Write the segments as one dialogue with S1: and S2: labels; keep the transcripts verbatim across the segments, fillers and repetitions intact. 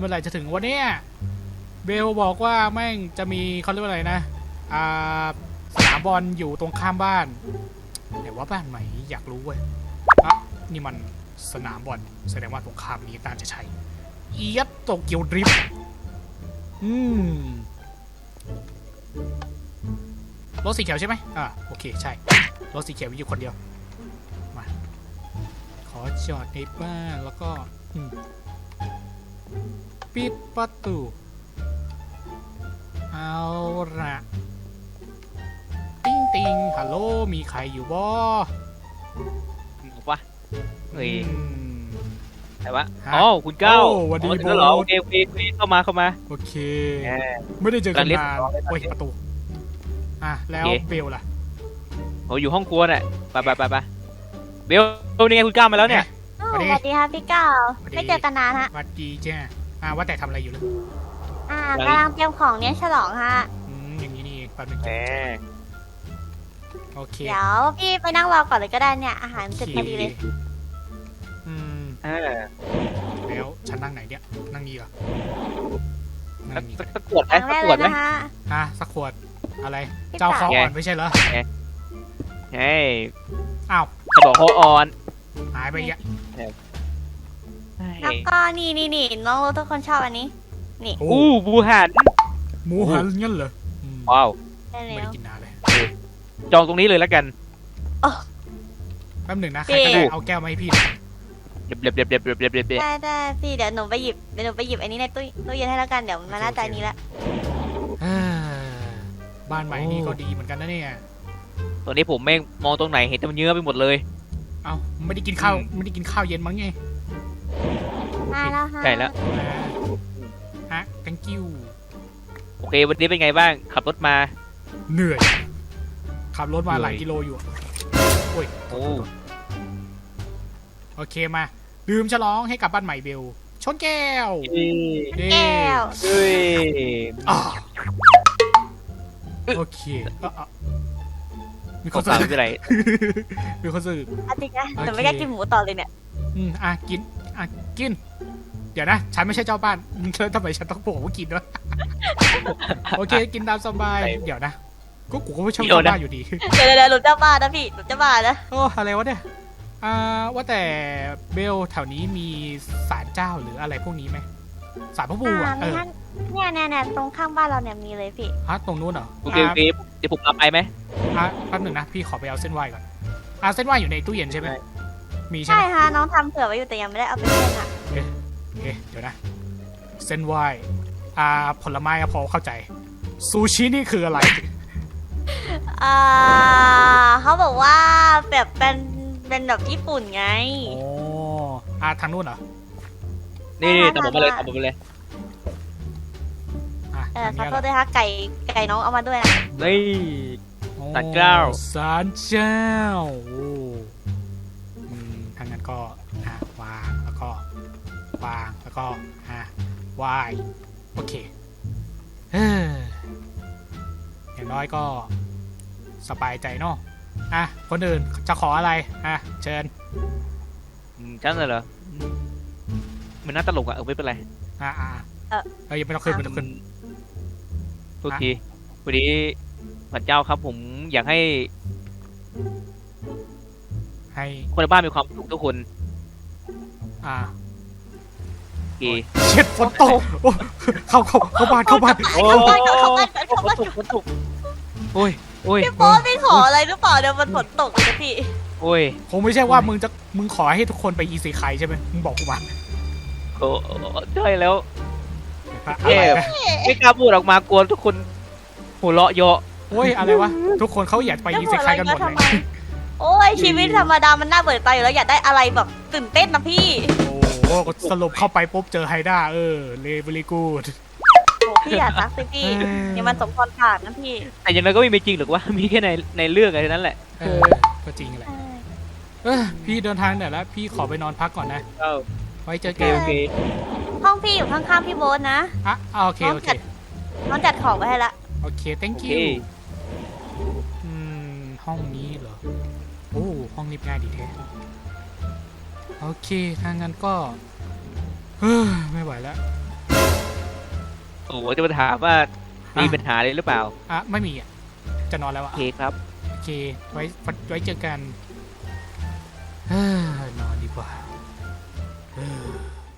S1: เมื่อไหร่จะถึงวันนี้เบลบอกว่าแม่งจะมีเขาเรียกว่าอะไรนะอ่าสนามบอลอยู่ตรงข้ามบ้านแต่ว่าบ้านไหนอยากรู้เว้ยอ่ะนี่มันสนามบอลแสดงว่าตรงข้ามนี้น่าจะใช่เอียดโตเกียวดริฟต์อืมรถสีเขียวใช่ไหมอ่าโอเคใช่รถสีเขียวมีอยู่คนเดียวมาขอจอดในบ้านแล้วก็ปิดประตูเอาละติ้งติงฮัลโหลมีใครอยู่บ่
S2: บอกว่าเฮ้ย
S1: อืม
S2: แต่ว่าอ๋อคุณเก้า
S1: โอ้สวัสดี
S2: อ๋อถึง
S1: โบ๊
S2: แล้วเหรอ
S1: ท
S2: โอเคโอเคโอเคเข้ามาเข้ามา
S1: โอเค
S2: แหม
S1: ไม่ได้เจอกัน
S2: การเรียก
S1: นาน
S2: ร้องเลย
S1: โอ้ยประตูอ่ะแล้ว
S2: โอเค
S1: เบลล่ะ
S2: โอ้อยู่ห้องครัวน่ะไปไปไปไปเบลเบลนี่ไงคุณเก้ามาแล้วเนี่ย
S3: อ้าว
S1: สวัสดี
S3: สวัสดีครับพี่เก้า
S1: สวัสดี
S3: ไม่เจอกันนานฮะ
S1: สวัสดีจ้าอ่ะว่าแต่ทำอะไรอยู่เลย
S3: อ่ากำลังเตรียมของเนี้ยฉลองฮะ
S1: อืมอย่างนี้นี่เองแป๊บนึง
S2: แหม
S1: โอเค
S3: เดี๋ยวพี่ไปนั่งรอก่อนเลยก็ได้เนี่ยอาหารเสร็จพอดีเลย
S1: อืม
S2: อ่า
S1: แล้วฉันนั่งไหนเนี่ยนั่งนี่เหรอ
S2: สั
S1: นั่
S2: ก
S1: งนี่
S2: สักสักขวดไหม
S3: ครั้ง
S2: สั
S3: แร
S2: ก
S3: ก
S2: ข
S3: เล
S2: วด
S3: ย
S2: ไหม
S3: นะฮะ
S1: อ่ะสักขวดอะไร
S3: พี่
S1: เจ้า
S3: ปะ
S1: คออ่อนไม่ใช่เหรอ
S2: เฮ้ย
S1: อ้าว
S2: เขาบอกเขาอ่อน
S1: หายไปอีกอ่ะ
S3: แล้วก็นี่นี่นี่น้องรู้ทุกคนชอบอันนี้ นี่
S1: โอ้
S2: อู้บูหัน
S1: หมูหันงั้นเหรออืม
S2: ว้าว
S3: ได้
S1: ไม่
S3: แล้
S1: ได้
S3: ว
S1: กินนานเลย
S2: จองตรงนี้เลยแล้วกัน
S1: แป๊บหนึ่งนะใค
S3: พี่
S1: รก็ได้เอาแก้วมาให้พี่หน่อย
S2: เด็บเด็บเด็บเด็บเด็บเด็บเด็บเด็บ
S3: ได้ได้พี่เดี๋ยวหนูไปหยิบเดี๋ยวหนูไปหยิบอันนี้ในตู้ตู้เย็นให้แล้วกันเดี๋ยวมาหน้าใจนี้ละ
S1: เอ้อบ้านใหม่นี่ก็ดีเหมือนกันนะเนี่ย
S2: ตอนนี้ผมแม่งมองตรงไหนเห็นแต่มันเยอะไปหมดเลย
S1: เอ้าไม่ได้กินข้าว
S2: อืม
S1: ไม่ได้กินข้าวเย็นมั้งไง
S3: มาแล้วฮะ
S2: ใช่แล้ว
S1: อ่าฮะ thank you
S2: โอเควันนี้เป็นไงบ้างขับรถมา
S1: เหนื่อยขับรถมา
S2: เหนื่อย
S1: หลายกิโลอยู่โอ้ย
S2: โอ้
S1: โอเคมาดื่มฉลองให้กับบ้านใหม่เบลชนแก้ว
S2: เอ้ย
S1: เย้
S3: แก้ว
S2: เฮ้ย
S1: อ่าโอเคอ่ะอ่ะมีค
S2: ขอน
S1: สื่
S2: ฝาก
S1: อ
S2: ไม่เป็นไร
S1: มีคนสื่อ
S3: อันจริงนะ
S1: โอเค
S3: หนูไม่กล้ากินหมูต่อเลยเนี่ย
S1: อืมอ่ะกินอ่ะกิน เดี๋ยวนะ ฉันไม่ใช่เจ้าบ้านแล้วทำไมฉันต้องบอกว่ากินวะ โอเค กินตามสบาย
S2: ไป
S1: เดี๋ยวนะก็กูก็ไม่ชอบ
S2: เดี๋ยว
S1: เจ้า
S2: นะ
S1: บ้านอยู่ดี
S3: เดี๋ยวเดี๋ยวหนูจะบ้านะพี่หนูจะบ้านะ
S1: โอ้อะไรวะเนี่ยอ่าว่าแต่เบลแถวนี้มีศาลเจ้าหรืออะไรพวกนี้ไหมศาลพระภูมิ
S3: อ่า
S1: อ่ะเอ
S3: ไม่
S1: อ
S3: งั้นเนี่ยเนี่ยเนี่ยตรงข้างบ้านเราเนี่ยมีเลยพี่
S1: ฮะตรงนู้นเหรอ
S2: โอเคโอเคเดี๋ยวผมรับไปไหม
S1: อ่ะแป๊บหนึ่งนะพี่ขอไปเอาเส้นไหว้ก่อนอ่ะเส้นไหว้อยู่ในตู้เย็นใช่ไหม
S2: ใช่
S1: มีใช่
S3: ใช่
S1: ไหม
S3: ฮะน้องทำเผื่อไว้อยู่แต่ยังไม่ได้เอาไปเล่นอ่ะ
S1: เอ๊ะเอ๊ะเดี๋ยวนะเส้นไหว้อ่าผลไม้อะพอเข้าใจซูชินี่คืออะไร
S3: อ่าเขาบอกว่าแบบเป็นเป็นแบบญี่ปุ่นไง
S1: โอ้อ่ะทางนู้นเหรอ
S2: นี่นี่ตามผมมาเลยตามผมมาเลย
S1: อ่ะ
S3: เออ
S1: ทาง
S3: ขอ
S1: นี้เหรอ
S3: โทษด้วยฮะไก่ไก่น้องเอามาด้วยนะ
S2: นี่
S1: โอ้
S2: ศาลเจ้า
S1: ศาลเจ้าโอ้อืมทางนั้นก็อ่ะวางแล้วก็วางแล้วก็อ่ะไหว้โอเคเฮ้ออย่างน้อยก็สบายใจเนาะอ่ะคนอื่นจะขออะไรอ่ะเชิญ
S2: อืมฉันน่ะเหรอมันน่าตลกอะเออไม่เป็นไร
S1: อ่ะอ่ะเออยังไม่ต้องขึ้นไม่ต้องขึ้น
S2: โทษทีวันนี้พระเจ้าครับผมอยากให้
S1: ให้
S2: คนในบ้านมีความสุขทุกคน
S1: อ่า
S2: โอเค
S1: เช็ดฝนตกโอ้เข้าเข้าเข้าบ้านเข้าบ้าน
S2: โอ้
S3: เข้าบ้านเข้าบ้าน
S2: ฝ
S3: เข้าบ้าน
S2: นตกฝนตกโอ้ยโอ้ย
S3: พี่โป๊ตไม่ขออะไรหรือเปล่าเดี๋ยวมันฝนตกเลยนะพี่
S2: โอ้ย
S1: คงไม่ใช่ว่ามึงจะมึงขอให้ทุกคนไปอีซีไคใช่ไหมมึงบอกกูมา
S2: โอ้ใช่แล้ว
S1: อะ
S2: เอ๊ะ
S1: ไรนะ
S2: ไม่กล้าพูดออกมากลัวทุกคนหัวเราะเยาะ
S1: โอ้ยอะไรวะทุกคนเขาอยากไปอีซีไคกันหมดเลย
S3: โอ้ยชีวิตธรรมดามันน่าเบื่อตายอยู่แล้วอยากได้อะไรแบบตื่นเต้นนะพี่
S1: โอ้โหสรุปเข้าไปปุ๊บเจอไฮด้าเออเลเวลีกูด
S3: โอ้พี่อย่าซักสิพี่นี่มันสมพรผ่านนะพี่
S2: แต่อยังไงก็ไม่มีจริงหรอกว่ามีแค่ในในเรื่องอะไรนั้นแหละ
S1: เออก็จริงแหละเออพี่เดินทางเหนื่อยแล้วพี่ขอไปนอนพักก่อนนะ
S2: เออ
S1: ไว้เจอ
S2: โอเค
S1: กัน
S2: โอเค
S3: ห้องพี่อยู่ข้างๆพี่โบ๊ทนะ
S1: อ่ะโอเคโอเค
S3: น้องจัดของไว้ให้ละ
S1: โอเค thank
S2: โอเค
S1: you อืมห้องนี้เหรอโอ้ห้องนี้ง่ายดีแท้โอเคถ้างั้นก็เฮ้ยไม่ไหวแล้ว
S2: โอ้โหจะมาถามว่ามีปัญหาอะไรหรือเปล่า
S1: อ่ะไม่มีอ่ะจะนอนแล้ว
S2: โอ
S1: อ่ะ
S2: เคครับ
S1: โอเคไว้ไว้เจอกันเฮ้อนอนดีกว่าเฮ้อ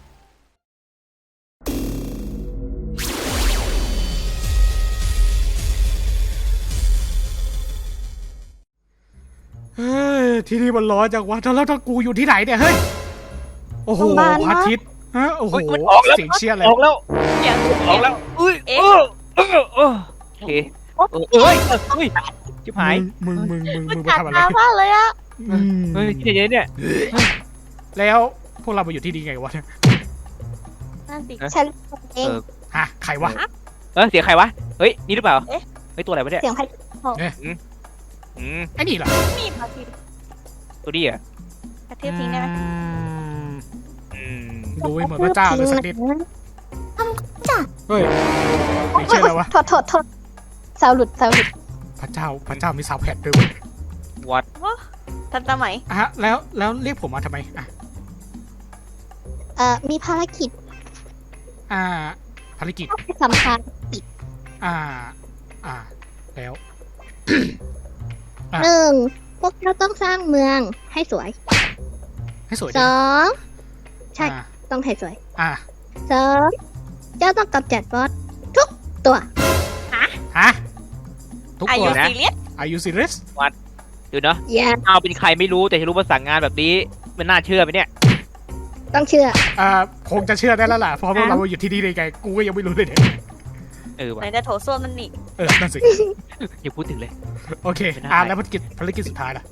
S1: เฮ้ยที่นี่มันร้อนจังวะแล้วถ้ากูอยู่ที่ไหนเนี่ยเฮ้ยโอ้โห
S4: โรงพยาบาล
S1: พระอาทิตย์ฮะโอ้โห
S2: เฮ้ยมันออกแล้ว
S1: เสียงเชียร์เลย
S2: ออกแล้ว
S3: เสียง
S2: ออกแล้วอุ้ย
S3: เอ๊ะ
S2: เออเออเออโอเคเออเอ้ยเฮ้ยชิบหาย
S1: มึงมึงมึงมึง
S3: มัน
S1: มา
S3: กัด
S1: ทำอะไร
S3: ตามากเลยอะ
S1: อืม
S2: เฮ้ยที่ไหนเนี่ย
S1: แล้วพวกเรามาอยู่ที่นี่ไงวะเนี่ย
S3: นั่นสิ
S4: ฉันเอง
S2: เออ
S1: ฮะใครวะ
S2: เออเสียงใครวะเฮ้ยนี่หรือเปล่า
S3: เอ๊ะ
S2: เฮ้ยตัวอะไรวะเนี่ย
S4: เสียงใคร
S2: อืม
S1: ไอ้นี่เหรอ
S3: มีดมาที
S2: ตัวนี้อ่ะ
S3: กระเทียมทิ้งได้ไหม
S1: อืม
S2: อืม
S1: ดูให้เหมือนพระเจ้าเลยสักนิดเฮ้ยไม่
S4: โอ๊ย
S1: เชื่อแล้ววะ
S4: โทษโทษโทษสาวหลุดสาวหลุด
S1: พระเจ้าพระเจ้ามีสาวแพดด้วยเว้ย
S2: วัด
S3: ทันสมัย
S1: อ่ะแล้วแล้วเรียกผมมาทำไมอ่ะ
S4: เอ่อมีภารกิจ
S1: อ่าภารกิจ
S4: สำคัญ
S1: อ่า อ่า แล้ว อ่ะ
S4: หนึ่งพวกเราต้องสร้างเมืองให้สวย
S1: ให้สวย
S4: ส
S1: ดิ
S4: องใช่
S1: อ่า
S4: ต้องให้สวย
S1: อ่า
S4: สองเจ้าต้องกำจัดบอสทุกตัว
S1: ฮะทุก
S3: อา
S1: ค
S3: ยุ
S1: นนะ
S3: ซีเรียส
S1: อายุซีเรียส
S2: ดูเนาะ
S4: อย่า
S2: เอาเป็นใครไม่รู้แต่ฉันรู้ว่าสั่งงานแบบนี้มันน่าเชื่อไหมเนี่ย
S4: ต้องเชื่อ
S1: อ่าคงจะเชื่อได้แล้วล่ะเพราะพวกเราอยู่ที่นี่ได้ไงกูก็ยังไม่รู้เลยเนี่ย
S2: เออ
S3: ไห
S2: ว่ะ
S3: นจะโถส้วมมันนี่
S1: เออนั่นสิ
S2: อย่าพูดถึงเลย
S1: โอเค
S2: ไม่ได้
S1: อ่าแล้วภารกิจภารกิจสุดท้ายล่ะ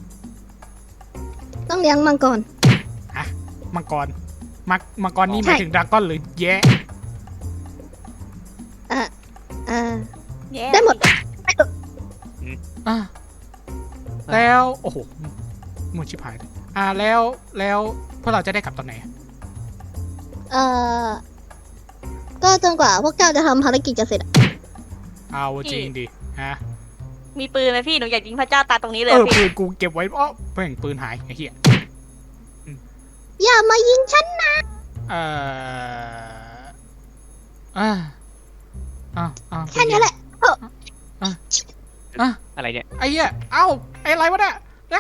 S4: ต้องเลี้ยงมังกร
S1: มังกรมังมังกรนี่ห
S4: ใช่
S1: มายถึงดราก้อนหรือแย่
S4: เอ่อเอ่อ
S3: แย่
S4: ได้หมด
S1: อ่าแล้วโอ้โหมึงชิบหายเลยอ่าแล้วแล้วพวกเราจะได้กลับตอนไหน
S4: เอ่อก็จนกว่าพวกเจ้าจะทำภารกิจจะเสร็จอะ
S1: เอาจริงดิฮะ
S3: มีปืนไหมพี่หนูอยากยิงพระเจ้าตาตรงนี้เลย
S1: เออ
S3: พี่
S1: ปืนกูเก็บไว้อ้อแม่งปืนหายไอ้เหี้ย
S4: อย่ามายิงฉัน
S1: เอ่ออ่าอ่าอ่า
S4: แค่นี้แหละ
S1: อ่ะ
S2: อะไรเนี่ย
S1: ไอ้เหี้ยเอ้าไอ้อะไรวะเนี่ยอ่า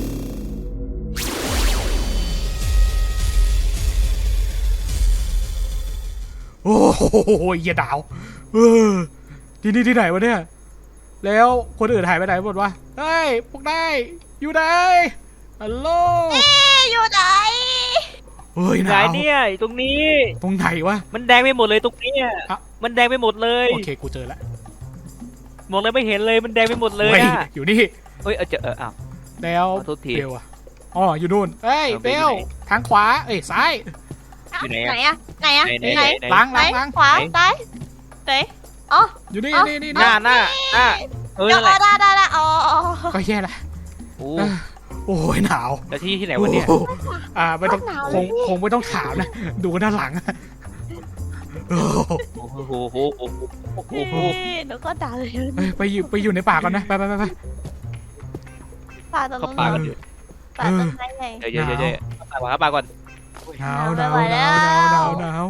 S1: โอ้โหเหี้ยดาวเออที่นี่ที่ไหนวะเนี่ยแล้วคนอื่นหายไปไหนหมดวะเฮ้ยพวกนายอยู่ไหนฮัลโหล
S3: อยู่ไหน
S1: เฮ้ยห
S2: ไหน
S1: นาว
S2: เนี่ยอยู่ตรงนี้
S1: ตรงไหนวะ
S2: มันแดงไปหมดเลยตรงเนี้ย
S1: อ่ะ
S2: มันแดงไปหมดเลย
S1: โอเคกูเจอแล้ว
S2: มองเลยไม่เห็นเลยมันแดงไปหมดเลย
S1: ฮ้
S2: อ่ะ
S1: อยู่นี่
S2: เฮ้ยเออเจอเอออ้าว
S1: แล้ว
S2: ขอโทษที
S1: เบลอะอ๋ออยู่นู่นเอ้ย
S2: เออ
S1: เบ
S2: เบลอยู่
S1: ล
S2: ไหน
S1: ทางขวาเอ้ยซ้าย
S2: อยู่ไหน
S3: ไหน
S2: อะ
S3: อะไหนอะ
S2: ไหน
S3: ไหน
S2: ไหน
S1: ล้าง
S3: ไหน
S1: ล้างล้าง
S3: ขวาซ้ายไหนอ๋อ
S1: อยู่นี่
S3: เอ้า
S1: นี่นี่
S2: หน้าหน้าหน้าเออ
S3: เดี๋ย
S2: นั่
S3: วน
S2: แหละ
S3: ได้ได้ได้อ๋อ
S1: ก็แย่ละ
S2: โอ้
S1: เออโอ้ยหนาว
S2: แล้วที่ที่ไหนวะเนี่ย
S1: โอ้โหอ่าไม่ต้องคงคงไม่ต้องถามนะดูด้านหลังโอ้โห
S2: โอ้โหโอ้โหโอ้โหโอ้โห
S3: เฮ้ยหนูก็ด่าเลย
S1: เฮ้ยไปอยู่ไปอยู่ในป่าก่อนนะไปไปไปไป
S3: ป่าตรง
S2: เข้า
S3: นู้น
S2: ป่ากันอยู่
S3: ป่าตรงไหนไง
S2: เดี๋ยวเดี๋ยวเดี๋ยวเดี๋ยวเข้าป่าก่อนเข้าป่าก่อน
S1: หนาวห
S3: ไม่
S1: นาว
S3: ไหว
S1: ห
S3: แล้
S1: นาว วหนาวหนาวหนาว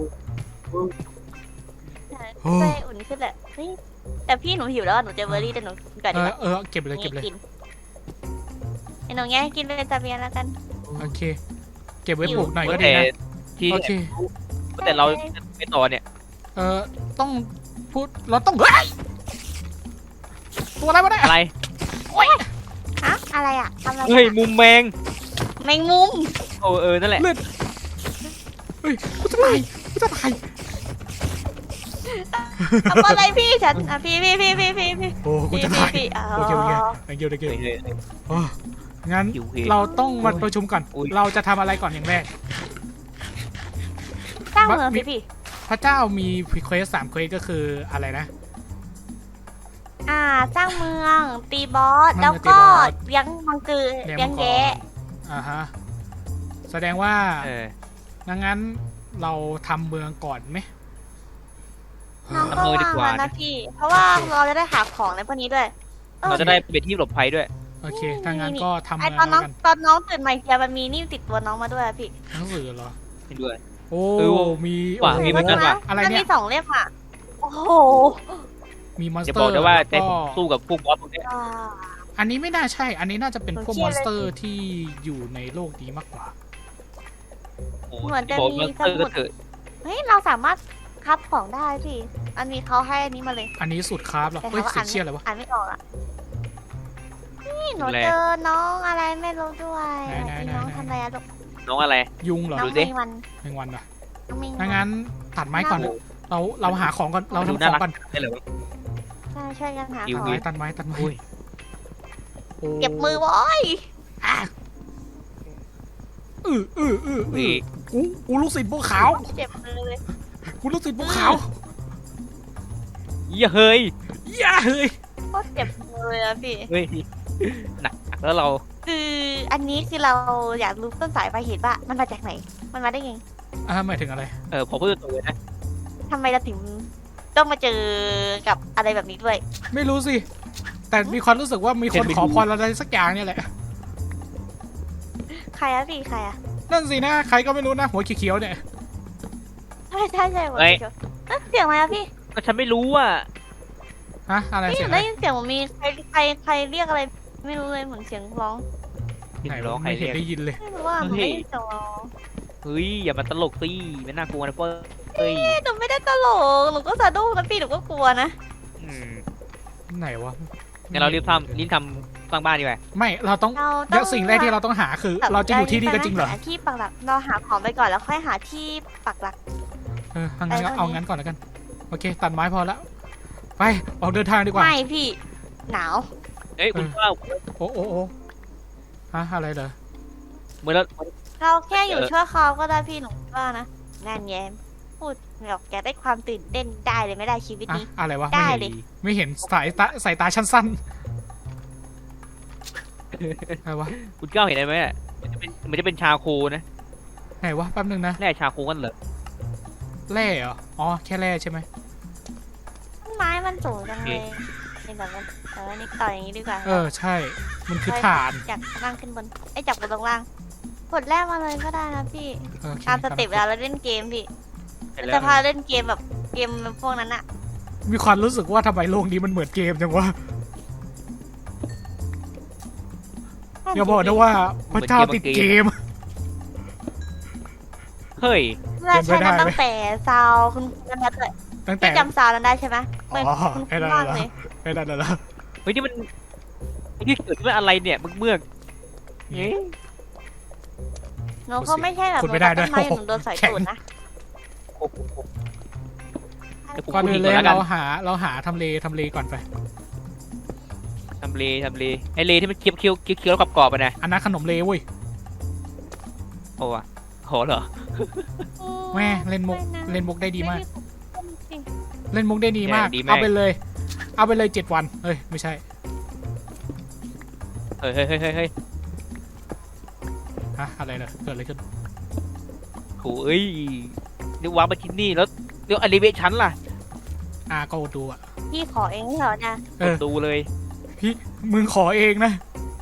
S1: โอ้
S3: ใจอุ่นขึ้นแหละเฮ้ยแต่พี่หนูหิวแล้วอะหนูเจอเบอร์รี่แต่หนูกินก่อน
S1: เอ
S3: ดีก
S1: อ
S3: ว่า
S1: เออเก็บเลยเก็บเลย
S3: กินไอ้หนูแง่กินเป็นตาเบียนแล้วกัน
S1: โอเค เก็บไว้ปลูกหน่อยก็ดี
S2: แต่
S1: นะ
S2: ที่
S1: โอเค
S2: แต่เราไม่ต่อเนี่ย
S1: เออต้องพูดเราต้องเฮ้ยตัวอะไรวะเนี่ย
S2: อะไร
S3: ฮะอะไรอะอะไรอะ
S2: เฮ้ยมุมแมง
S3: แมงมุม
S2: โอ้เออนั่นแหละ
S1: เลือดเฮ้ยกูจะตายกูจะตาย
S3: ทำอะไรพี่ฉันอ่ะพี่พี่พี่พี่พี่พี่
S1: โอ้กู
S3: พี่
S1: จะ
S3: พี่
S1: ตาย
S3: พี่อ๋อ
S1: โอเคโอเค thank you thank you
S2: เฮ้ยเฮ้ยเฮ้ย
S1: โอ้งั้น
S2: หิวเห
S1: เราต้องมาประชุมก่อน
S2: อุ๊ย
S1: เราจะทำอะไรก่อนอย่างแรก
S3: สร้างเมือง
S1: มี
S3: สิพี่
S1: พระเจ้ามีเควสสามเควสก็คืออะไรนะ
S3: อ่าสร้างเมืองตีบอส
S1: มัน
S3: แล้ว
S1: ตี
S3: ก็
S1: บอส
S3: เลี้ยงมังกร
S1: เลี้
S3: เลี้
S1: ย
S3: ย
S1: ง
S3: ง
S1: มังกร
S3: แยะ
S1: อ่าฮะแสดงว่า
S2: เออ
S1: ดังนั้นเราทำเมืองก่อนไหม
S3: น้อง
S2: ทำ
S3: ก็
S2: เมืองดี
S3: ว่าง
S2: กว่า
S3: แล้วนะพี่ เพราะว่าเราจะได้หาของในพวกนี้ด้วยออ
S2: เราจะได้เป็นที่หลบภัยด้วย
S1: โอเคถ้างั้นก็ทำ
S3: ไอ
S1: เมือง
S3: ตอนน้
S1: แล้
S3: อง
S1: วกัน
S3: ตอนน้องตื่นมาอีกทีมันมีนี่ติดตัวน้องมาด้วยอะพี่
S1: หนังสือเหรอ
S2: เห็นด้วย
S1: โอ้
S2: เออ
S1: มี
S2: ว่ะ
S1: โอ้โห
S2: มีเหมือนกันว่ะ
S1: อะไร
S3: มัน
S1: เนี่
S3: มี
S1: ย
S3: สองเล่มอะโห
S1: มีมอนส
S2: จะ
S1: เต
S2: บ
S1: อ
S2: อก
S1: ร์
S2: ได้ว่า
S1: แล้ว
S2: ได้
S1: ก็
S2: สู้กับพวกบอสพวกเนี้ย
S3: อ่า
S1: อันนี้ไม่น่าใช่ อันนี้น่าจะเป็นพวก
S3: ผม
S1: มอน
S3: เชื่
S1: ส
S3: อเลย
S1: เตอร์ที่อยู่ในโลกนี้มากกว่า
S2: โอ้
S3: เหมือนจะ
S2: บอก
S3: มี
S2: ว่า
S3: ส
S2: เออ
S3: มุ
S2: ก็
S3: ด
S2: เถอะ
S3: เฮ้ยเราสามารถคับของได้พี่ อันนี้เขาให้อันนี้มาเลย
S1: อันนี้สุดคราฟเหรอ
S3: แต่
S1: เฮ้ย
S3: ถามว่า
S1: เสี
S3: อ่าย น
S1: งเชียร์อะไรวะ
S3: อ่านไม่ออกอ่ะนี่หนูเจอน้องอะไรไม่รู้ด้วย
S1: ไหนๆๆๆ
S3: น้องทำอะไรอะลูก
S2: น้องอะไร
S1: ยุงเหรอ
S3: น้อง
S2: ดูสิ
S3: มีวัน
S1: แมงวันเหรอ
S3: น้องมีวั
S1: ถ้างั้นตัดไม้ก่อน
S3: น่า
S1: เราเราหาของก่อน เรา
S2: ดู
S1: ทำข
S2: น่า
S1: อง
S2: รัก
S1: ก่อน
S2: ได้เลยวะ
S3: ใช่ช่วยกันหา
S2: อยู่
S3: ของ
S1: ไม้ตัดไม้ตัดไม้
S2: อุ้ย
S1: โอ้
S3: เก็บมือไว้
S1: อ่ะอืออืออืออื
S2: นี่
S1: อกูกูลูกศิษย์บัวขาว
S3: เจ็บมือเลย
S1: กูลูกศิษย์บัวขาว
S2: เหี้ยเฮ้ย
S1: อย่าเฮ้ย
S3: โคตรเจ็บมือเลยอะพี่
S2: เฮ้ยหนักหนักแล้วเรา
S3: คืออันนี้คือเราอยากรู้ต้นสายปลายเหตุว่ามันมาจากไหน มันมาได้ไง
S1: อ่าหมายถึงอะไร
S2: เออผมพูดตรงๆเลยนะ
S3: ทำไมเราถึงต้องมาเจอกับอะไรแบบนี้ด้วย
S1: ไม่รู้สิ แต่มีความรู้สึกว่ามีคนขอพรอะไรสักอย่างเนี่ยแหละ
S3: ใครอะพี่ใครอะ
S1: นั่นสินะ ใครก็ไม่รู้นะ หัวเขียวๆเนี่ย
S3: ใช่ใช่ใช่ผมเจอเอ๊ะเสียงอะไรอะพี่
S2: ก็ฉันไม่รู้อ่ะ
S1: ฮะ อะไร
S3: นี่
S1: เสียงอะไร
S3: ได้ยินเสียงเหมือนมีใครใครใครเรียกอะไร ไม่รู้เลยเหมือนเสียงร้อง
S1: ไหน
S2: ร้อ
S1: วะ
S2: งใคร
S1: ไม่เห็น
S2: เรียก
S1: ได้ยินเลย
S3: ไม่รู้ว่าหนูได้ยินเสียงร้อง
S2: เฮ้ยอย่ามาตลกสิไม่น่ากลัวนะเป้ยเฮ้ย
S3: เอ๊ะหนูไม่ได้ตลกหนูก็สะดุ้งนะพี่หนูก็กลัวนะ
S2: อืม
S1: ไหนวะ
S2: งั้นเรารีบทำรีบทำสร้างบ้านดีกว่า
S1: ไม่ เราต้อง
S3: เราต้
S1: เดี๋
S3: อย ง
S1: วสิ่งแรกที่เราต้องหาคือ เราจะอยู่ที่นี่กันจริงเหรอ
S3: หาที่ปักหลักเราหาของไปก่อนแล้วค่อยหาที่ปักหลัก
S1: เออเอางั้นก็
S3: ไปตรงนี้
S1: เอางั้นก่อนแล้วกัน โอเค ตัดไม้พอแล้ว ไปออกเดินทางดีกว่า
S3: ไม่พี่ หนาว
S2: เฮ้ยคุณ
S1: เออ
S2: ว่า
S1: โอ้โอ้โอ้ฮะอะไรเหรอ
S2: เมื่อเรา
S3: เราแค่อยู่
S2: เออ
S3: ชั่วคราวก็ได้พี่หนูว่านะนั่นแย้มพูดแบบแกได้ความตื่นเต้นได้เลยไม่ได้ชีวิต
S1: อะ
S3: นี้
S1: อะไรวะ
S3: ได้
S1: ไม่เห็น
S3: เลย
S1: ไม่เห็นสายตาสายตาชั้นสั้นอะไรวะ
S2: คุณเก้าเห็นอะไรไหมอะมันจะเป็นมันจะเป็นชาโคนะ
S1: ไหนวะแป๊บนึงนะ
S2: แร่ชาโคกันเหรอ
S1: แร่เหรอ อ๋อ แค่แร่ใช่ไหม
S3: ต้นไม้มันสูงจังเลยเป็นแบบว่าเออนี่ต่ออย่างนี้ดีกว่า
S1: เออ ใช่ มันคือฐาน
S3: จากล่างขึ้นบนไอ้ยจากบนลงล่างกดแรกมาเลยก็ได้นะพี่
S1: โอเค
S3: ตามสเต็ปเวลาเราเล่นเกมพี่
S2: เห็น
S3: เรา
S2: แล้ว
S3: จะพาเล่นเกมแบบเกมพวกนั้นอะ
S1: มีความรู้สึกว่าทำไมโลกนี้มันเหมือนเกมจังวะ อย่าบอกนะว่าพระเจ้าติดเกม
S2: เฮ้ย
S3: เราใช้กัน
S1: เป็นไปได้ไหม
S3: ตั้งแต่ซาวคุณกันนะเลย
S1: ตั้งแต่
S3: พี่จำซาวนั้นได้ใช่ไหมเหมือน
S1: อ๋อ
S3: คุณ
S1: ไอ้นั่น
S3: มาก
S1: เหรอ
S3: เลย
S1: ไอ้นั่นน่ะเหรอ
S2: เฮ้ยนี่มันนี่เกิดขึ้นมาอะไรเนี่ยมึกเมือกเอ๊ะ
S3: หนูเขาไม่ใช่แบบ
S1: ขุดไม่ได้ด้วย
S3: ต้นไม้หนูโดนสอยตูดนะ
S2: โอ้โหเดี๋ยวกู
S1: ก่อน
S2: พูด
S1: อื่
S2: อี
S1: น
S2: ก
S1: เลย
S2: แล้วกัน
S1: เราหาเราหาทำเลทำเลก่อนไป
S2: ทำเลทำเลไอเลที่มันเคี้ยวเคี้ยวเคี้ยวเคี้ยวกรอบๆไปนะ
S1: อันนั้นขนมเลเว้ย
S2: โอ้อะโหเหรอ
S1: แม่เล่นมุก
S3: ไม่ะ
S1: เล่นมุกได้ดีมาก
S3: จริง
S1: เล่นมุกได้ดีมาก
S2: ดีมาก
S1: เอาไปเลย เอาไปเลยเจ็ดวัน เอ้ย ไม่ใช่
S2: เฮ้ยเฮ้ยเฮ้ยเฮ้ยเฮ้ย
S1: ฮะ อะไรเหรอเกิดอะไรขึ้น
S2: โอ้ยเดี๋ยววางมาที่นี่แล้วเดี๋ยวอลิเวชันล่ะ
S1: อ่าก็ดูอ่ะ
S3: พี่ขอเองเหรอเนี่ย
S1: เออ
S2: ดูเลย
S1: พี่มึงขอเองนะ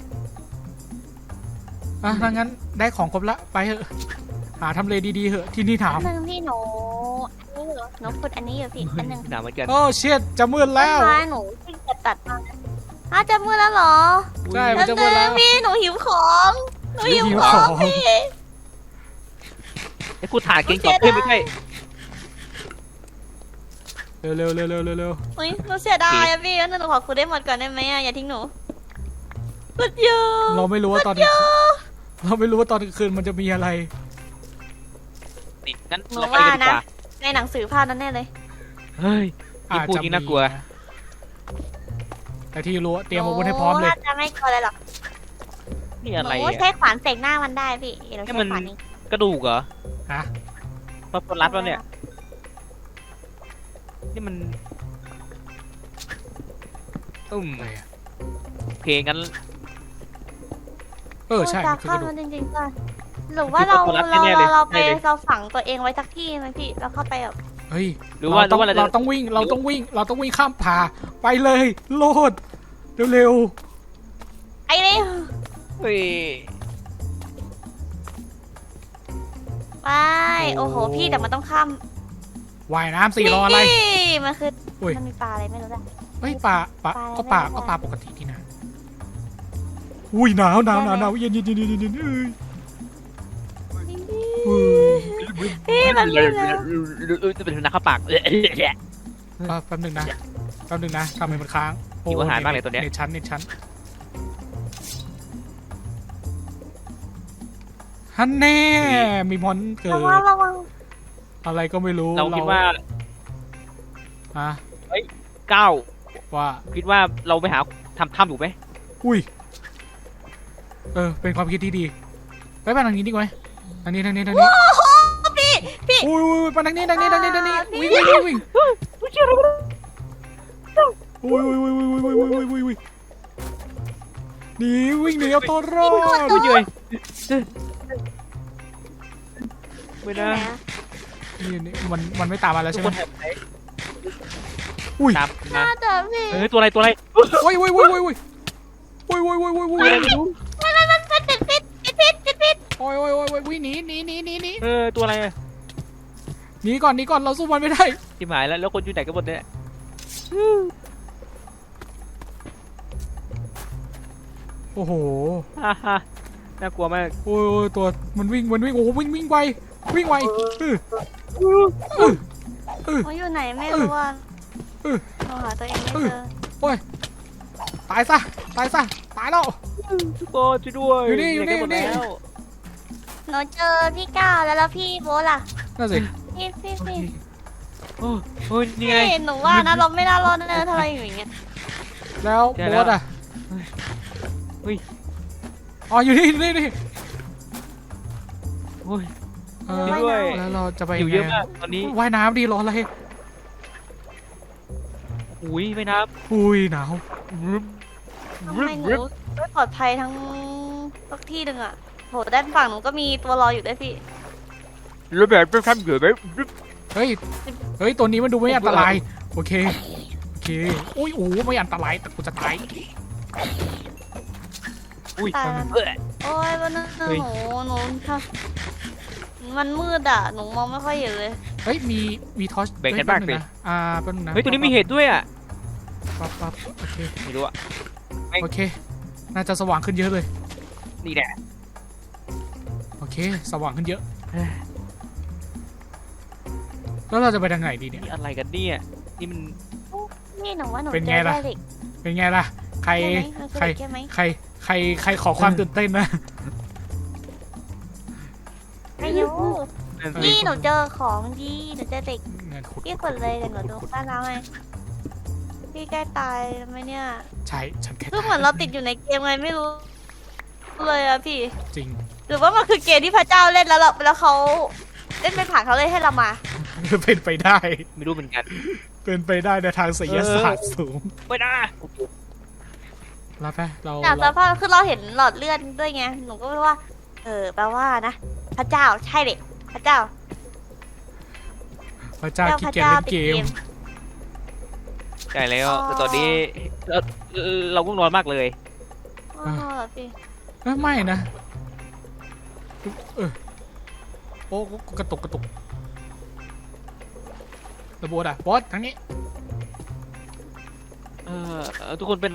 S1: อ่ะถ้างั้นได้ของครบละ ไปเถอะ หาทำเลดีๆเหอะ ที่นี่ถาม
S3: อันหนึ่งพี่หนูอันนี้เหรอหนูขุดอันนี้อยู่พี่อันหนึ่ง
S2: หนาเหมือนกัน
S1: โอ้เชิดจะมืด
S3: ต้
S1: แล้
S3: น
S1: ว
S3: ไม้หนูที่จะตัดมาอ้าวจะมืดแล้วเหรอ
S1: ใช่มันจะมืดแล้ว
S3: พี่หนูหิวของหนูหิว
S1: หิว
S3: ข
S1: ข
S3: อ
S1: อง ง
S3: พี่
S2: ไอ้กูถ่านเก่งกว่าเพื่อนไม่ใช่
S1: เร็วเร็วเร็วเร็วเร็วเร็ว
S3: เฮ้ยหนูเสียดายอะพี่งั้นหนูขอขุดได้หมดก่อนได้ไหมอะอย่าทิ้งหนูขุดอยู่
S1: เราไม่รู้ว่าตอนกลางคืนเราไม่รู้ว่าตอนกลางคืนมันจะมีอะไร
S2: นี่งั้น
S3: หนู
S2: เราไป
S3: ว่า
S2: กันดี
S3: นะ
S2: กว่า
S3: ในหนังสือภาพนั้นแน่เลย
S2: เฮ้ย ยิ่ง
S1: อาจ
S2: พูด
S1: จะ
S2: ยิ่งน่ากลัว
S1: มีนะแต่ที่รู้เตรียมอาวุธให้พร้อมเลย
S3: น่าจะไม่กลัวอะไรหรอก
S2: นี่
S3: ห
S2: อะไร
S3: นู
S2: อ่ะ
S3: ใช้ขวานเสกหน้ามันได้พี่เดี๋ยวเรา
S2: ให้
S3: ใช้
S2: มัน
S3: ขวานนี้
S2: กระดูกเหรอ
S1: ฮะ
S2: พอรัดแล้วเนี่ย นี่มันอืม
S1: อะไรอะ
S2: โอเคงั้น
S1: เออใช่
S3: จะ
S1: มันคือ
S3: เข้าก
S1: ระดู
S3: มั
S1: ก
S3: นจริงๆก็หรือว่าเรา
S2: คือคนรัก
S3: เรา
S2: แน่ๆเลย
S3: เราเราไป
S2: แน่เลย
S3: เราฝังตัวเองไว้สักที่ไหมพี่แล้วเข้าไปแบบ
S1: เฮ้ย
S2: หรือว่าห
S1: เรา
S2: รือ
S1: ต้อง
S2: ว่าเราจะ
S1: เราต้องวิ่งเราต้องวิ่ง เราต้องวิ่งข้ามผ่าไปเลยโลดเร็ว
S3: ไอ้นี่
S2: เฮ้ย
S3: ไปโอ้โหพี่แต่มันต้องข้าม
S1: ว่ายน้ำสี่รออะไร
S3: นี่มันคือ
S1: อุ้ย
S3: มันมีปลาอะไรไม่รู้อะ
S1: เฮ้ยปลาปลา
S3: ปลาอะไร
S1: ก็ปลา
S3: ไม่รู้
S1: ก็ปลาปกติที่นะอุ้ยหนาวหนาวหนาวหนาวเย็นเย็นเย็นเย็นเย็นเย็นเอ้ยเฮ้ย
S3: พี่มันมีแล้ว
S2: จะเป็นนักข้าปาก
S1: แป๊บนึงนะแป๊บนึงนะทำไมมันค้างโ
S2: หิวอาหารมากเลยตัวเนี้ย
S1: เน็ตชั้นเน็ตชั้นฮันแน่มีมอนเกิด
S3: ระวังระวัง
S1: อะไรก็ไม่รู้
S2: เราคิดว่า
S1: ฮะ
S2: เก้า
S1: ว่า
S2: คิดว่าเราไปหาทำถ้ำอยู่ไหม
S1: อุ้ยเออเป็นความคิดที่ดีไปไปทางนี้ดีกว่าไหมทางนี้ทางนี้ทางนี้
S3: โอ้โหพี่พี่
S1: อุ้ยอุ้ยไปทางนี้ทางนี้ทางนี้ทางนี้
S3: อ่า
S1: วิ่ง
S3: พี่
S1: วิ่งวิ่งวิ่งอุ้ยอุ้ยอุ้ยอุ้ยอุ้ยอุ้ยอุ้ยอุ้ยอุ้ยหนีวิ่งหนีเอาตัวรอด
S2: อุ้ยเยยไม่นะ
S1: นี่นี่มันมันไม่ตามมาแล้ว
S2: ทุ
S1: ใช่
S2: ก
S1: ไห
S2: ค
S1: ม
S2: นแถบไหน
S1: อุ้ย
S2: ตาม
S3: น่า
S2: มา
S3: จะพี่
S2: เออตัวอะไรตัวอะไร
S1: โอ้ยโอ้ยโอ้ยโอ้ยโอ้ยโอ้ยโอ้ยโอ้ยโอ้ยโอ้ย
S3: มันมันมันมันติดพิษติดพิษติดพิษ
S1: โอ้ยโอ้ยโอ้ยโอ้ยวิ่งหนีหนีหนีหนีหนี
S2: เออตัวอะไร
S1: หนีก่อนหนีก่อนเราสู้มันไม่ได้
S2: ที่หมายแล้วแล้วคนอยู่ไหนกันหมดเนี่ย
S1: โอ้โห
S2: ฮ่าฮ่าน่ากลัวมาก
S1: โอ้ยโอ้ยตัวมันวิ่งมันวิ่งโอ้โหวิ่งวิ่งไววิ่งไวเออเออเออ
S3: มันอยู่ไหนไม่รู้อ่ะ
S1: เออ
S3: เราหาตัวเองไม่เจอ
S1: โอ้ยตายซะตายซะตายแล้ว
S2: ทุกคนช่วยด้วย
S1: อยู่นี่อยู่นี่
S2: ไหกัหมด
S1: อยู่นี่
S2: แล้ว
S3: หนูเจอพี่ก้าวแล้วแล้วพี่โบ๊ทล่ะ
S1: นั่นสิ
S3: พี่พี่พี่
S2: โอ้โอ้ยนี่ไง
S3: พี่หนูว่านะเราไม่น่ารอดแน่ๆถ้าเราอยู่อย่างเงี้ย
S1: แล้ว
S2: ใช่
S1: โบ
S2: แล้ว
S1: สอ่ะ
S2: เฮ้ย
S1: อ๋ออยู่นี่อยู่นี่นี่
S2: โอ้ย
S1: เออ
S2: จริงด้วย
S1: แล้วเราจะไป
S2: อยู่เยอะมากตอนนี้
S1: ว่ายน้ำดีรออะไร
S2: อุ้ยไม่นับ
S1: อุ้ยหนาว
S3: ทำไมหนูไม่ปลอดภัยทั้งทุกที่หนึ่งอ่ะโหด้านฝั่งหนูก็มีตัวรออยู่ด้วยพี่
S2: แล้วแบบไปทำเหยื่อไหม
S1: เฮ้ยเฮ้ยตัวนี้มันดูไม่อันตรายโอเคโอเคอุ้ยโอ้ไม่อันตรายแต่กูจะตาย
S2: อุ้ย
S3: ตาย
S2: เออ
S3: โอ้ยวันนั้น
S2: เฮ้ย
S3: หนูหนูค่ะมันมืดอ่ะหนูมองไม่ค่อยเห็นเลย
S1: เฮ้ยมีมีทอช
S2: แบ่งกันบ้างสิ
S1: อ่าแป๊บนึงนะ
S2: เฮ้ยตัวนี้มีเห็ดด้วยอ่ะ
S1: ปั๊บปั๊บโอเค
S2: ไม่รู้อ่ะ
S1: โอเค น่าจะสว่างขึ้นเยอะเลย
S2: นี่แหละ
S1: โอเค สว่างขึ้นเยอะ แล้วเราจะไปทางไหนดีเนี่ย
S2: นี่อะไรกันเนี่ยนี่มัน
S3: นี่หนูว่าหนู
S1: เป็น
S3: เจ
S1: ไง
S3: อ
S1: ล่ะ
S3: แร่เหล็ก
S1: เป็นไงล่ะ ใคร
S3: ใช่ไหมมันคือ
S1: ใคร
S3: เหล็กใช่ไหม
S1: ใคร ใคร ใคร ใครขอความตื่นเต้นนะ
S3: ไม่รู้
S2: นั่นสิ
S3: นี่หนูเจอของดีหนูเจอเหล็ก
S1: เงินขุด
S3: พี่กดเลยเดี๋ยวหนูดูบ้านเราให้พี่ใกล้ตายไหมเนี่ย
S1: ใช่ ฉันแค่
S3: คือเหมือนเราติดอยู่ในเกมไงไม่รู้เลยอะพี่
S1: จริง
S3: หรือว่ามันคือเกมที่พระเจ้าเล่นแล้วเราแล้วเขาเล่นเป็นผ่านเขาเลยให้เรามา
S1: เป็นไปได้
S2: ไม่รู้เหมือนกัน
S1: เป็นไปได้ในทางศิลศาสตร์สูง
S2: ไม่ได้
S1: แล้วไปเรา
S3: จากส
S1: เรา
S3: ภาพคือเราเห็นหลอดเลือดด้วยไงหนูก็เลยว่า เออแปลว่านะพระเจ้าใช่เด็พระเจ้า
S1: พระเจ้า
S3: เจ้า
S1: ขี้
S3: พระ
S1: เกียจ
S3: เจ้า
S1: เล่น
S3: ติด
S1: เก
S3: เก
S1: ม
S3: ม
S2: ใช่แล้ว
S3: อ๋อ
S2: แต่ตอนนี้เราเราก็นอนมากเลย
S3: อ๋อเหรอพี่
S1: เอ้ยไม่นะ เออโอ้กระตุกกระตุกระโบดอ่ะบอสทางนี้
S2: เออทุกคนเป็น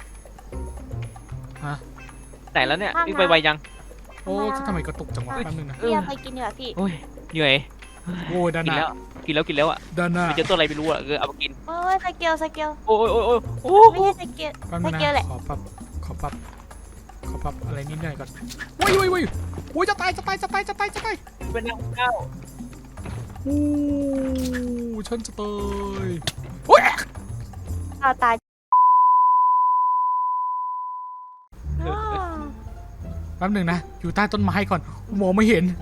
S1: ฮะ
S2: ไหนแล้วเนี่ยวิ่งไปไวยัง
S1: โอ้ทำไมกระตุกจังวะแป๊บนึงนะ
S3: พี่เอาไปกินดีกว่าพี่
S2: โอ้ยเหนื่อย
S1: โอ้ยด้าน
S2: กิ
S1: ห
S2: น
S1: น้า
S2: แล้วกินแล้วกินแล้วอ่ะ
S1: ด้านหน้า
S2: ไปเจอตัวอะไรไม่รู้อ่ะเออเอามากิน
S3: โอ้ยสเกลสเกล
S2: โอ้ยโอ้ยโอ้ยโอ้
S3: ไม่ใช่สเกล
S1: แป๊บ
S3: ส
S1: นึง
S3: เกลแห
S1: นะ
S3: ละ
S1: ขอปรับขอปรับขอปรับอะไรนิดหน่อยก่อนวุ้ยวุ้ยวุ้ยวุ้ยจะตายจะตายจะตายจะตายจะตาย
S2: เป็นนักเก้า
S1: โอ้ฉันจะตายโอ้ย
S3: เอาตายอ้าว
S1: แป๊บนึงนะอยู่ใต้ต้นไม้ก่อนมองไม่เห็น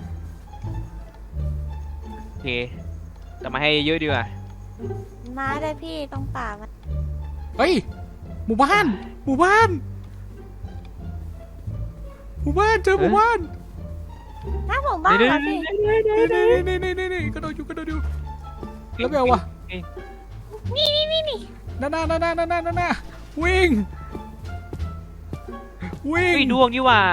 S2: โอเคแต่มาให้เยอะดีกว่า
S3: มาเลยพี่ตรงป่ามัน
S1: เฮ้ยหมู่บ้านหมู่บ้านหมู่บ้านเจอหมู่บ้าน
S3: น้าหมู่บ้านเหรอพี่
S1: นี่นี่นี่นี่นี่กระโดดอยู่กระโดดอยู่แล้วไปเอาวะ
S3: นี่นี่นี่นี่
S1: นั่นน่ะนั่นน่ะนั่นน่ะนั่นน่ะวิ่งวิ่ง
S2: เฮ้ยดวงนี่ว่า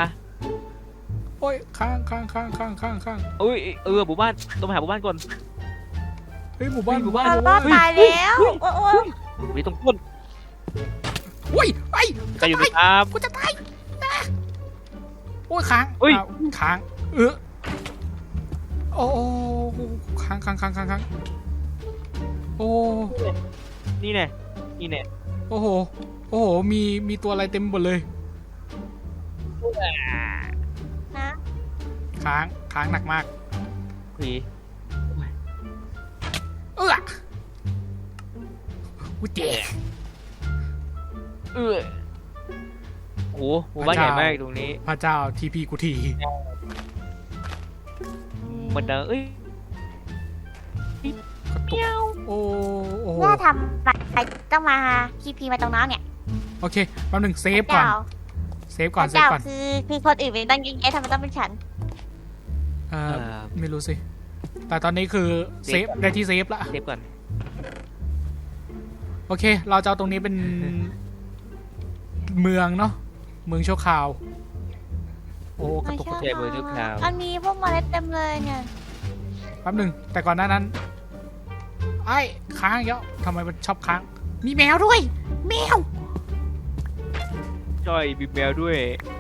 S1: โอ้ยข้างข้างข้างข้างข้างข้าง
S2: เอ้ยเออหมู่บ้านต้องไปหาหมู่บ้านก่อน
S1: เฮ้ยหมู่บ้านหมู่บ้าน
S3: เรา
S1: หมู่
S3: รอ
S1: บ้า
S3: ด
S1: น
S3: ตายแล้วโอ้โห
S2: มีตรงต้น
S1: โอ้ยไอ้
S2: จะอยู่ไหมครับ
S1: กูจะตายนะโอ้ยค้าง
S2: เฮ้ย
S1: อ้าวค้างเออโอ้โอ้ค้างค้างค้างค้างค้างโอ้
S2: นี่แน่นี่แน่
S1: โอ้โหโอ้โหมีมีตัวอะไรเต็มหมดเลย
S3: นะ
S1: ค้างค้างหนักมาก
S2: ผี
S1: เออกูเจ็บ
S2: เออโอ้หมู่บ้านใหญ่มากตรงนี้
S1: พระเจ้าทีพีกูที
S2: มันดังเอ้ย
S1: กระตุกโอ้โอ้โห
S3: ว่าทำอะไรต้องมาคีพีมาตรงน้องเนี่ย
S1: โอเคแป๊บหนึงเซฟก่อน
S3: เจ้า
S1: เซฟก่อนเซฟ
S3: เจ้า
S1: ก่อน
S3: คือคือคนอื่นเป็นตั้งยิงแกทำไมต้องเป็นฉัน
S1: เอ่อ
S2: อ่า
S1: ไม่รู้สิ แต่ตอนนี้คือเซฟได้ที่เซฟละ
S2: เซฟก่อน
S1: โอเค เราจะเอาตรงนี้เป็นเมืองเนาะเมืองชั่วคราว โอ้กระตุกกระตุก
S2: ใช่เบอร์ทุกคราว
S3: มันมีพวกเมล็ดเต็มเลยเนี่ย
S1: แป๊บหนึงแต่ก่อนหน้านั้นไอ้ค้างอีกแล้วทำไมมันชอบค้าง มีแมวด้วย แมว
S2: จ้อยบีแมวด้วย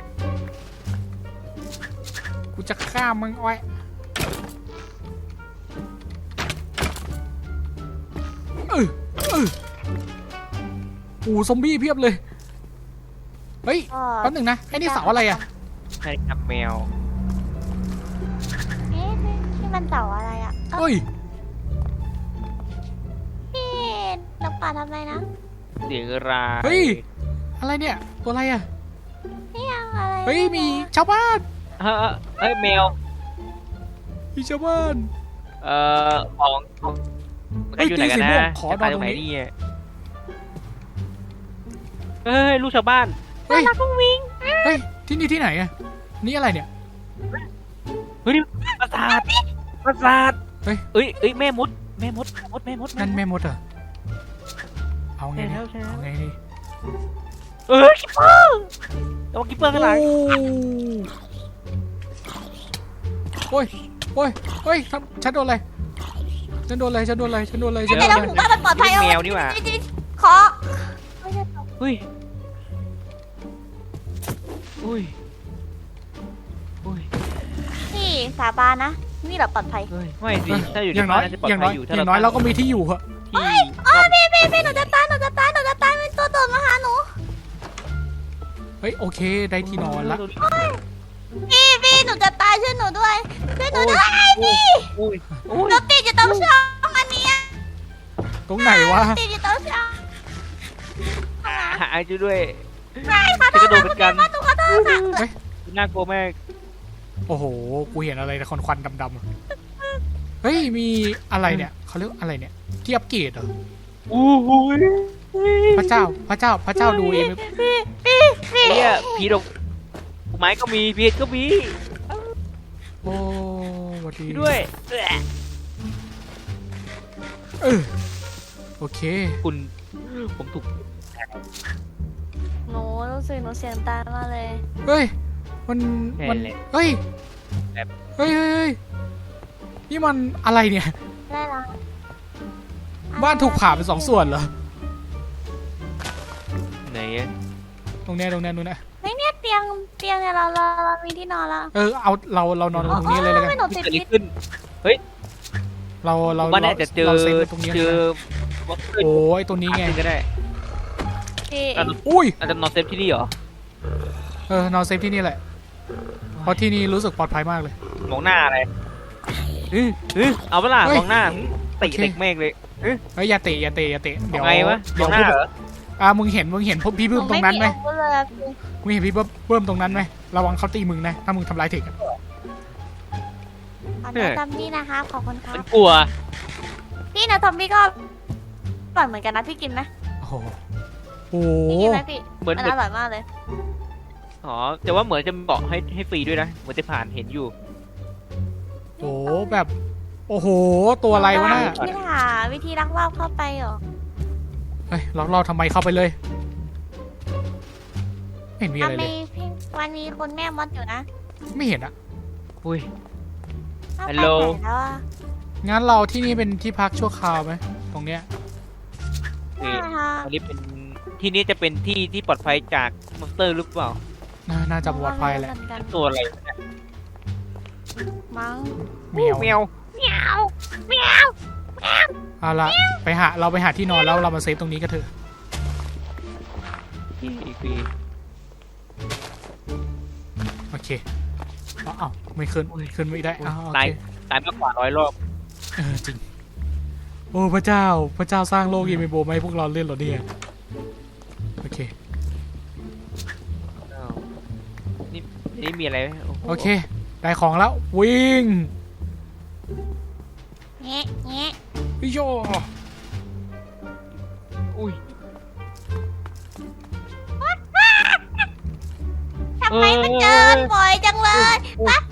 S1: กูจะฆ่ามึงอ้อยเออเออโอ้ซอมบี้เพียบเลย เฮ้ย
S3: ก็
S1: แป๊บหนึงนะไอ้นี่เสาอะไรอ่ะ
S2: ใช่ครับแมว
S3: เอ๊ะนี่มันเต่าอะไรอ่ะเอ้า
S1: เฮ้ย
S3: พี่นกป่าทำอะไรนะ
S2: เสียงราย
S1: เฮ้ย อะไรเนี่ย ตัวอะไรอ่ะ
S3: นี่ยังอะไร
S1: เฮ้ย มีชาวบ้าน
S2: เฮ้ยเฮ้ยแมว
S1: มีชาวบ้าน
S2: เอ่อของของ
S1: เฮ้ย
S2: อยู่ไหนกัน
S1: ตีสีม่
S2: นะ
S1: วงขอ
S2: จะไป
S1: นอน
S2: ต
S1: ต
S2: ร
S1: รง ง
S2: ไหน
S1: นี้
S2: เนี่ยเฮ้ยลูกชาวบ้าน
S1: เฮ้ย
S3: รักกุ้งวิง
S1: เฮ้ย ที่นี่ที่ไหนอ่ะ นี่อะไรเนี่ย
S2: เฮ้ยปราสาทปราสาท
S1: เฮ้ย
S2: เอ้ยเอ้ยแม่มดแม่มดมดแม่มด
S1: นั่นแม่มดเหรอ เอาไง
S2: ใช่
S1: ดี
S2: แล้วใช่แล้ว
S1: เอาไงดี
S2: เอ้ยคิปเปอร์ระวังคิปเปอร์ข้างหลัง
S1: โอ้ยโอ้ยโอ้ยทำฉันโดนอะไร ฉันโดนอะไร ฉันโดนอะไร ฉันโดนอะไรฉันโด
S3: แต่
S1: น
S3: เรา
S1: อะไร
S3: หมู่บ้านมันปลอดภัย
S2: แมวนี่หว่า
S3: ขอไม่ใช่ตก
S2: เฮ้ยอุ้ยอุ้ย
S3: พี่สาบานนะ นี่แหละปลอดภัย
S2: เฮ้ยไม่สิถ้าอยู่
S1: อ
S2: ใน
S1: ย่างน้
S2: บ้า
S1: อน ย
S2: น่าจะปลอด
S1: อย่าง
S2: ภั
S1: น้อย
S2: ยอยู่
S1: อ
S2: ถ้า
S1: ย่างน้อยเราก็มีที่อยู่เหอะ
S2: ที่
S3: อ๋อพี่พี่พี่หนูจะตายหนูจะตายหนูจะตายเป็นตัวโดดมาหาหนู
S1: เฮ้ย โอเค ได้ที่นอนละ
S3: พี่พี่หนูจะตายช่วยหนูด้วยช่วยหนูด้วยพี่
S2: อุ้ยอุ้ย
S3: หนูติดอยู่ตรงช่องอันเนี้ย
S1: ตรงไหนวะ
S3: ติดอยู่ตรงช่อง
S2: หายจุด้วย
S3: ใช่ขอโท
S2: จะก
S3: ษ
S2: ระโดด
S3: ค่ะ
S2: เหมือนกัน
S3: หนูขอโทษค่ะ
S2: น่ากลัวมาก
S1: โอ้โห กูเห็นอะไรแต่ควันๆดำๆ เฮ้ย มีอะไรเนี่ย เขาเรียกอะไรเนี่ย ที่อัปเกรดเหรอ
S2: อู้หูย
S1: พระเจ้า พระเจ้า พระเจ้าดูเอง
S3: พี่พี่พี่
S2: ไอ้เนี่ยผีดอกไม้ก็มีพีชก็มี
S1: โอ้สวัสดี
S2: ด้วย
S1: เออโอเค
S2: คุณผมถูก
S3: หนูรู้สึกหนูเสียงตายมากเลย
S1: เฮ้ย มัน มัน
S2: แหละ
S1: เฮ้ย
S2: แบบ
S1: เฮ้ยเฮ้ยเฮ้ยนี่มันอะไรเนี่ย
S3: ได้ละ
S1: บ้านถูกผ่าเป็นสองส่วนเหรอ
S2: ไหนอะ
S1: ตรงเนี้ยตรงเนี้ยตรงเนี้ย
S3: เฮ้ยเนี่ยเตียงเตียงเนี่ยเราเราเรามีที่นอนแล้ว
S1: เออ เอา เรา เรานอนตรงนี้เลยแล้วกัน
S3: ไม่หนูติด
S2: เกิดอะไร
S3: พิษ
S2: ขึ้น
S1: เรา เรา
S2: ผมว่าน่าจะเจอ
S1: เราเซฟไว้ตรงนี้
S2: เจอ
S1: แล้วกันโอ้ยตรงนี้ไง
S2: ก็ได้
S3: พี่
S2: อ่ะ
S1: อุ้ย
S2: อาจจะนอนเซฟที่นี่เหรอ
S1: เออนอนเซฟที่นี่แหละ เพราะที่นี่รู้สึกปลอดภัยมากเลย
S2: มองหน้าอะไรเออเออเอาเวลา
S1: เฮ้ย
S2: มองหน้าติ
S1: โอเค
S2: เด็กเมฆเลย
S1: เฮ้ยอย่าเตะอย่าเตะอย่าเตะเดี๋ยว
S2: เอาไงวะม
S1: เดี๋
S2: อย ง
S1: ว
S2: หน้าเหรอ
S1: อ่ามึงเห็น มึงเห็นพวกพี่
S3: ห
S1: เพิ่
S3: นู
S1: มตร
S3: ไม่
S1: งนั้น
S3: มี
S1: ไหม
S3: อาวุธเลยอะพี่
S1: มึงเห็นพี่เพิ่มตรงนั้นไหมระวังเขาตีมึงนะ ถ้ามึงทำลายเทคอะ
S3: ขอโทษจำพี่นะคะขอบคุณครั
S2: มั
S3: บ
S2: นกลัว
S3: พี่นะทอมบี้ก็อร่อยเหมือนกันนะพี่กินไหม
S1: โอ้โหโอ้โห
S3: พี่กินไหมพี่
S2: เหมือน
S3: มัน
S2: เหมือน
S3: อร่อยมากเลย
S2: อ๋อแต่ว่าเหมือนจะบอกให้ให้ฟรีด้วยนะเหมือนจะผ่านเห็นอยู่
S1: โอ้โหแบบ โอ้โห ตัวอะไรวะน่ะ
S3: พี่หาวิธีลักลอบเข้าไปเหรอ
S1: เฮ้ยล็อกเราทำไมเข้าไปเลย ไม่เห็นมีอะไร
S3: ทำไม
S1: เลย
S3: พี่วันนี้คุณแม่มดอยู่นะ
S1: ไม่เห็นอะ
S2: อุ้ย
S3: เข้าไป
S2: ฮัลโหล
S3: ไหนแล้วอะ
S1: งั้นเราที่นี่เป็นที่พักชั่วคราวไหมตรงเนี้ย
S2: โอเค
S3: ใช่ค่ะ
S2: อันนี้เป็นที่นี้จะเป็นที่ที่ปลอดภัยจากมอนสเตอร์หรือเปล่า
S1: น่าน่าจะปลอดภัยแหละ
S3: เหมือนกัน
S2: ตัวอะไรเนี่ย
S3: มั้ง
S1: เมียว
S2: แมว
S3: เหมียวเหมียว
S1: เอาละไปหาเราไปหาที่นอนแล้วเรามาเซฟตรงนี้กันเถอะ
S2: ที่อีกที
S1: โอเคเอาเอาไม่ขึ้นขึ้นไม่ได้เอาโอ
S2: ตาย
S1: เค
S2: ตายมากกว่าร้อยรอบ
S1: เออจริงโอ้พระเจ้าพระเจ้าสร้างโลกยีเมโบมาให้พวกเราเล่นเหรอเนี่ยโอเค
S2: อ้าวนี่นี่มีอะไรไหมโอ้โห
S1: โอเคได้ของแล้ววิ่ง
S3: แงะแงะ
S1: โย
S2: อุ้ย
S3: ทำไมมันเดินบ่อยจังเลย
S2: โอ้ย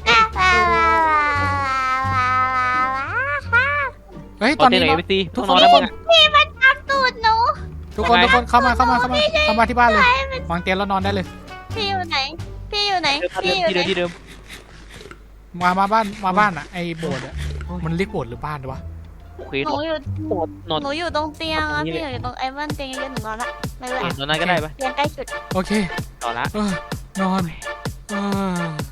S1: เฮ้ย
S2: ต
S1: ต
S2: อ
S1: อน น
S2: นี้
S1: นี้
S2: ไหน
S1: เรา
S2: ไปตี
S1: ทุก
S2: ห้อง
S1: คน
S2: นอน
S1: ทุ
S2: แล้ว
S1: กคน
S2: มึงอะ
S3: พี่มันตามตูดหนู
S1: ทุกคน
S2: ทำไม
S1: ทุกคนเข้ามาเข้ามาเข้ามาเข้ามาที่บ้านเลยวางเตียงแล้วนอนได้เลย
S3: พี่อยู่ไหน พี่อยู่ไหน
S2: เดิม
S3: พี่อยู่
S2: ที่
S3: ไหน
S2: เดิมที่เดิม
S1: มามาบ้านมาบ้านอ่ะไอ้โบสถ์อ่ะมันเรียกโบสถ์หรือบ้านวะ
S2: โอเค
S3: หนูอยู่
S2: นอนนอน
S3: หนูอยู่ตรงเตียง
S2: นอ
S3: อะ
S2: นตรงนี้
S3: พี่
S2: เลย
S3: อยู่ตรงไอ้บ้านเตียงเยอะๆหนูนอนละไม่เป็นไร
S2: นอนนั่นก็ได้ปะ
S3: เตียงใกล้สุด
S1: โอเค
S2: ต่อละ
S1: เออนอนเออ